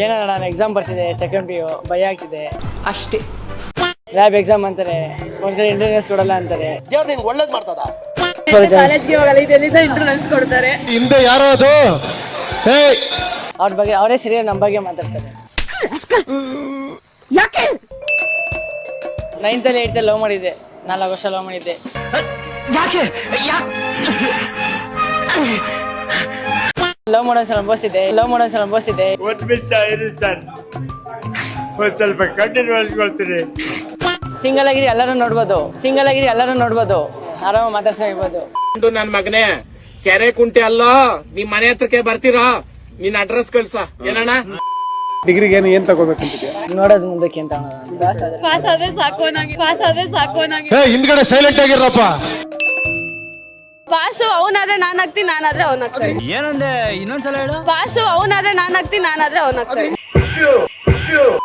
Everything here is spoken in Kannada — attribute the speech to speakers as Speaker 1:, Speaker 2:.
Speaker 1: ಏನೋ ನಾನು ಎಕ್ಸಾಮ್ ಬರ್ತಿದ್ದೆ, ಸೆಕೆಂಡ್ PU ಭಯ ಆಗ್ತಿದೆ
Speaker 2: ಅಷ್ಟೇ.
Speaker 1: ಲ್ಯಾಬ್ ಎಕ್ಸಾಮ್ ಅಂತಾರೆ, ಒಂದ್ಸರಿ ಇಂಟರ್ನೆಸ್ ಕೊಡಲ್ಲ ಅಂತಾರೆ.
Speaker 3: ದೇವ್ರು ನಿಂಗೆ ಒಳ್ಳೇದು ಮಾಡ್ತದ.
Speaker 2: ಕಾಲೇಜ್ಗೆ ಹೋಗಲ್ಲ, ಇದೆಲ್ಲಿಂದ ಇಂಟರ್ನಲ್ಸ್ ಕೊಡ್ತಾರೆ.
Speaker 4: ಹಿಂದೆ ಯಾರೋ ಅದು
Speaker 1: ಅವ್ರ ಬಗ್ಗೆ ಅವರೇ ಸರಿಯಾಗಿ ನಮ್ಮ ಬಗ್ಗೆ ಮಾತಾಡ್ತಾರೆ. 9th ಅಲ್ಲಿ 8th ಲವ್ ಮಾಡಿದ್ದೆ, 4 ವರ್ಷ ಲವ್ ಮಾಡಿದ್ದೆ. ಲವ್ ಮಾಡೋನ್ಸಲ ಅನುಭವಿಸಿದ್ದೆ.
Speaker 5: ಒಂದು ನಿಮಿಷ ಇರಿ ಸರ್, ಒಂದು ಸ್ವಲ್ಪ ಕಣ್ಣೀರು ಒರೆಸ್ಕೊಳ್ತೀನಿ.
Speaker 1: ಸಿಂಗಲ್ ಆಗಿರಿ ಎಲ್ಲರೂ ನೋಡ್ಬೋದು, ಆರಾಮ ಮಾತಾಡ್ಸ್ಕೊಂಡಿರ್ಬೋದು.
Speaker 6: ನನ್ ಮಗನೇ, ಕೆರೆ ಕುಂಟೆ ಅಲ್ಲ, ನಿಮ್ ಮನೆ ಹತ್ರಕ್ಕೆ ಬರ್ತೀರಾ? ನಿನ್ ಅಡ್ರೆಸ್ ಕಳ್ಸ. ಏನಣ್ಣ
Speaker 4: ಡಿಗ್ರಿಗೆ ಏನ್ ತಗೋಬೇಕಂತಿದ್ಯಾ?
Speaker 1: ನೋಡೋದು ಮುಂದಕ್ಕೆ ಅಂತ
Speaker 2: ಪಾಸ್ ಆದ್ರೆ ಸಾಕು.
Speaker 4: ಹಿಂದ್ಗಡೆ ಸೈಲೆಂಟ್ ಆಗಿರಪ್ಪ.
Speaker 2: ಪಾಸು ಅವನಾದ್ರೆ ನಾನಾಗ್ತೀನಿ, ನಾನಾದ್ರೆ ಅವನಾಗ್ತಾನೆ.
Speaker 1: ಏನಂದೆ ಇನ್ನೊಂದ್ಸಲ ಹೇಳು.
Speaker 2: ಪಾಸು ಅವನಾದ್ರೆ ನಾನಾಗ್ತೀನಿ, ನಾನಾದ್ರೆ ಅವನಾಗ್ತಾನೆ.